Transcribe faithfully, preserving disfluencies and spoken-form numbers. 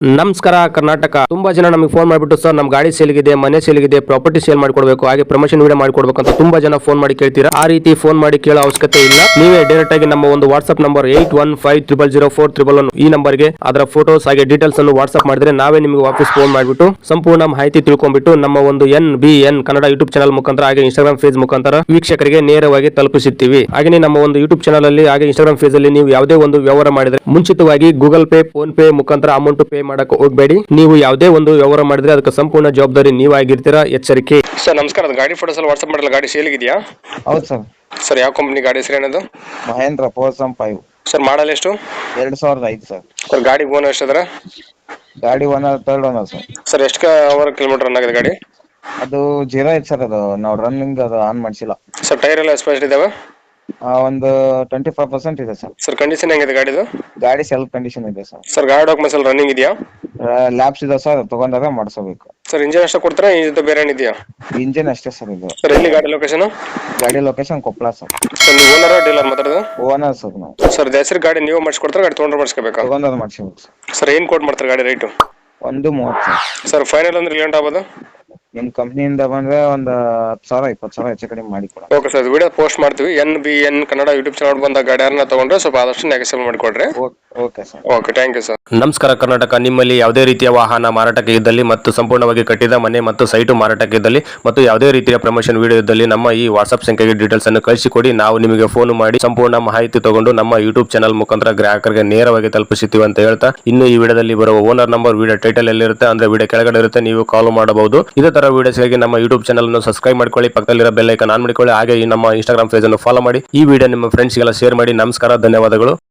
ನಮಸ್ಕಾರ ಕರ್ನಾಟಕ. ತುಂಬಾ ಜನ ನಮಗೆ ಫೋನ್ ಮಾಡಿಬಿಟ್ಟು ಸರ್ ನಮ್ಮ ಗಾಡಿ ಸೇಲ್ಗಿದೆ, ಮನೆ ಸೇಲ್ಗಿದೆ, ಪ್ರಾಪರ್ಟಿ ಸೇಲ್ ಮಾಡಿಕೊಡ್ಬೇಕು, ಹಾಗೆ ಪ್ರಮೋಷನ್ ವಿಡಿಯೋ ಮಾಡಿಕೊಡ್ಬೇಕು ಅಂತ ತುಂಬಾ ಜನ ಫೋನ್ ಮಾಡಿ ಕೇಳ್ತೀರಾ. ಆ ರೀತಿ ಫೋನ್ ಮಾಡಿ ಕೇಳೋ ಅವಶ್ಯಕತೆ ಇಲ್ಲ. ನೀವೇ ಡೈರೆಕ್ಟ್ ಆಗಿ ನಮ್ಮ ಒಂದು WhatsApp number eight one five triple zero four triple one ಈ ನಂಬರ್ಗೆ ಅದರ ಫೋಟೋಸ್ ಹಾಗೆ ಡೀಟೇಲ್ಸ್ ಅನ್ನು ವಾಟ್ಸ್ಆಪ್ ಮಾಡಿದ್ರೆ ನಾವೇ ನಿಮಗೆ ವಾಪಸ್ ಫೋನ್ ಮಾಡಿಬಿಟ್ಟು ಸಂಪೂರ್ಣ ಮಾಹಿತಿ ತಿಳ್ಕೊಂಡ್ಬಿಟ್ಟು ನಮ್ಮ ಒಂದು N B N Kannada YouTube channel ಮುಖಾಂತರ ಹಾಗೆ ಇನ್ಸ್ಟಾಗ್ರಾಮ್ ಫೇಸ್ ಮುಖಾಂತರ ವೀಕ್ಷಕರಿಗೆ ನೇರವಾಗಿ ತಲುಪಿಸುತ್ತೀವಿ. ಹಾಗೆ ನಮ್ಮ ಒಂದು ಯೂಟ್ಯೂಬ್ ಚಾನಲ್ ಅಲ್ಲಿ ಹಾಗೆ ಇನ್ಸ್ಟಾಗ್ರಾಮ್ ಫೇಸ್ ಅಲ್ಲಿ ನೀವು ಯಾವುದೇ ಒಂದು ವ್ಯವಹಾರ ಮಾಡಿದ್ರೆ ಮುಂಚಿತವಾಗಿ ಗೂಗಲ್ ಪೇ, ಫೋನ್ ಪೇ ಮುಖಾಂತರ ಅಮೌಂಟ್ ಪೇ ಮಾಡಕ್ಕೆ ಹೋಗಬೇಡಿ. ನೀವು ಯಾವುದೇ ಒಂದು ವ್ಯವಹಾರ ಮಾಡಿದ್ರೆ ಅದಕ್ಕೆ ಸಂಪೂರ್ಣ ಜವಾಬ್ದಾರಿ ನೀವಾಗಿರ್ತೀರಾ, ಎಚ್ಚರಿಕೆ. ಸರ್ ನಮಸ್ಕಾರ, ಗಾಡಿ ಫೋಟೋಸ್ ಎಲ್ಲ ವಾಟ್ಸ್ಆಪ್ ಮಾಡಲ್ಲ, ಗಾಡಿ ಸೇಲ್ ಇದೆಯಾ? ಹೌದು ಸರ್. ಸರ್ ಯಾವ ಕಂಪನಿ ಗಾಡಿ ಹೆಸರು ಏನದು? ಮಹೇಂದ್ರ ಪೋಸಂ ಫೈವ್. ಸರ್ ಮಾಡಲ್ ಎಷ್ಟು? ಎರಡ್ ಸಾವಿರದ ಐದು ಸರ್. ಸರ್ ಗಾಡಿ ಓನರ್ ಎಷ್ಟಿದ್ರೆ? ಗಾಡಿ owner third owner sir. Sir ಎಷ್ಟು ಅವರ್ ಕಿಲೋಮೀಟರ್ ರನ್ ಆಗಿದೆ ಗಾಡಿ? ಅದು ಜೀರೋ ಐತೆ ಸರ್. ಅದು ನಾವು ರನ್ನಿಂಗ್ ಅದು ಆನ್ ಮಾಡಿಸಿಲ್ಲ. ಸರ್ ಟೈರ್ ಎಲ್ಲ ಎಸ್ಪೆಷಲ್ ಇದಾವೆ? ಒಂದು ಟ್ವೆಂಟಿ ಫೈವ್ ಪರ್ಸೆಂಟ್ ಇದೆ ಸರ್. ಸರ್ ಕಂಡೀಷನ್ ಹೆಂಗಿದೆ ಗಾಡಿದು? ಗಾಡಿ ಸೆಲ್ಫ್ ಕಂಡೀಷನ್ ಇದೆ ಸರ್. ಸರ್ ಗಾಡಿ ಡಾಕ್ಯುಮೆಂಟ್ಸ್ ಎಲ್ಲ ರನ್ನಿಂಗ್ ಇದೆಯಾ? ಲ್ಯಾಬ್ಸ್ ಇದೆ ಸರ್, ತಗೊಂಡಾಗ ಮಾಡಿಸಬೇಕು. ಸರ್ ಇಂಜಿನ್ ಅಷ್ಟೇ ಕೊಡ್ತಾರೆ, ಇದು ಬೇರೆ ಏನಿದೆಯಾ? ಇಂಜಿನ್ ಅಷ್ಟೇ ಸರ್ ಇದು. ಸರ್ ಎಲ್ಲಿ ಗಾಡಿ ಲೊಕೇಶನ್? ಗಾಡಿ ಲೊಕೇಶನ್ ಕೊಪ್ಪಳ ಸರ್. ಸರ್ ನೀವು ಓನರ್ ಡೀಲರ್ ಮಾತಾಡೋದು? ಓನರ್ ಸರ್ ನಾವು. ಸರ್ ಹೆಸರು ಗಾಡಿ ನೀವು ಮಾಡಿಸ್ಕೊಡ್ತಾರೆ, ಗಾಡಿ ತೊಗೊಂಡ್ರೆ ಮಾಡಿಸ್ಕೋಬೇಕಾ? ತಗೊಂಡಾಗ ಮಾಡಿಸ್ಬೇಕು ಸರ್. ಸರ್ ಏನು ಕೋಟ್ ಮಾಡ್ತಾರೆ ಗಾಡಿ ರೇಟು? ಒಂದು ಮೂವತ್ತು ಸರ್. ಸರ್ ಫೈನಲ್ ಅಂದ್ರೆ ಲೇಟ್ ಆಗ್ಬೋದು? ನಿಮ್ಮ ಕಂಪ್ನಿಯಿಂದ ಬಂದ್ರೆ ಒಂದು ಹತ್ತು ಸಾವಿರ ಇಪ್ಪತ್ತು ಸಾವಿರ ಹೆಚ್ಚು ಕಡಿಮೆ ಮಾಡಿ ಕೊಡ. ಓಕೆ ಸರ್, ವಿಡಿಯೋ ಪೋಸ್ಟ್ ಮಾಡ್ತೀವಿ. N B N Kannada YouTube channel ಬಂದ ಗಾಡಿ ಯಾರನ್ನ ತಗೊಂಡ್ರೆ ಸ್ವಲ್ಪ ಆದಷ್ಟು ನೆಗೆಸಲ್ ಮಾಡಿಕೊಡ್ರಿ. Okay sir. Okay, thank you sir. ನಮಸ್ಕಾರ ಕರ್ನಾಟಕ. ನಿಮ್ಮಲ್ಲಿ ಯಾವುದೇ ರೀತಿಯ ವಾಹನ ಮಾರಾಟಕ್ಕೆ ಇದ್ದಲ್ಲಿ ಮತ್ತು ಸಂಪೂರ್ಣವಾಗಿ ಕಟ್ಟಿದ ಮನೆ ಮತ್ತು ಸೈಟು ಮಾರಾಟಕ್ಕೆ ಇದ್ದಲ್ಲಿ ಮತ್ತು ಯಾವುದೇ ರೀತಿಯ ಪ್ರಮೋಷನ್ ವಿಡಿಯೋ ಇದ್ದಲ್ಲಿ ನಮ್ಮ ಈ ವಾಟ್ಸ್ಆಪ್ ಸಂಖ್ಯೆಗೆ ಡೀಟೇಲ್ಸ್ ಅನ್ನು ಕಳಿಸಿಕೊಡಿ. ನಾವು ನಿಮಗೆ ಫೋನ್ ಮಾಡಿ ಸಂಪೂರ್ಣ ಮಾಹಿತಿ ತಗೊಂಡು ನಮ್ಮ ಯೂಟ್ಯೂಬ್ ಚಾನಲ್ ಮುಖಾಂತರ ಗ್ರಾಹಕರಿಗೆ ನೇರವಾಗಿ ತಲುಪಿಸುತ್ತೀವಿ ಅಂತ ಹೇಳ್ತಾ, ಇನ್ನು ಈ ವಿಡಿಯೋದಲ್ಲಿ ಬರುವ ಓನರ್ ನಂಬರ್ ವಿಡಿಯೋ ಟೈಟಲ್ ಎಲ್ಲಿರುತ್ತೆ ಅಂದ್ರೆ ವಿಡಿಯೋ ಕೆಳಗಡೆ ಇರುತ್ತೆ, ನೀವು ಕಾಲ್ ಮಾಡಬಹುದು. ಇದೇ ತರ ವಿಡಿಯೋಸ್ಗಾಗಿ ನಮ್ಮ ಯೂಟ್ಯೂಬ್ ಚಾನಲ್ ಅನ್ನು ಸಬ್ಸ್ಕ್ರೈಬ್ ಮಾಡ್ಕೊಳ್ಳಿ, ಪಕ್ಕದಲ್ಲಿರೋ ಬೆಲ್ ಐಕಾನ್ ಆನ್ ಮಾಡಿಕೊಳ್ಳಿ, ಹಾಗೆ ಈ ನಮ್ಮ ಇನ್ಸ್ಟಾಗ್ರಾಮ್ ಪೇಜ್ ಅನ್ನು ಫಾಲೋ ಮಾಡಿ. ಈ ವಿಡಿಯೋ ನಿಮ್ಮ ಫ್ರೆಂಡ್ಸ್ಗೆಲ್ಲ ಶೇರ್ ಮಾಡಿ. ನಮಸ್ಕಾರ, ಧನ್ಯವಾದಗಳು.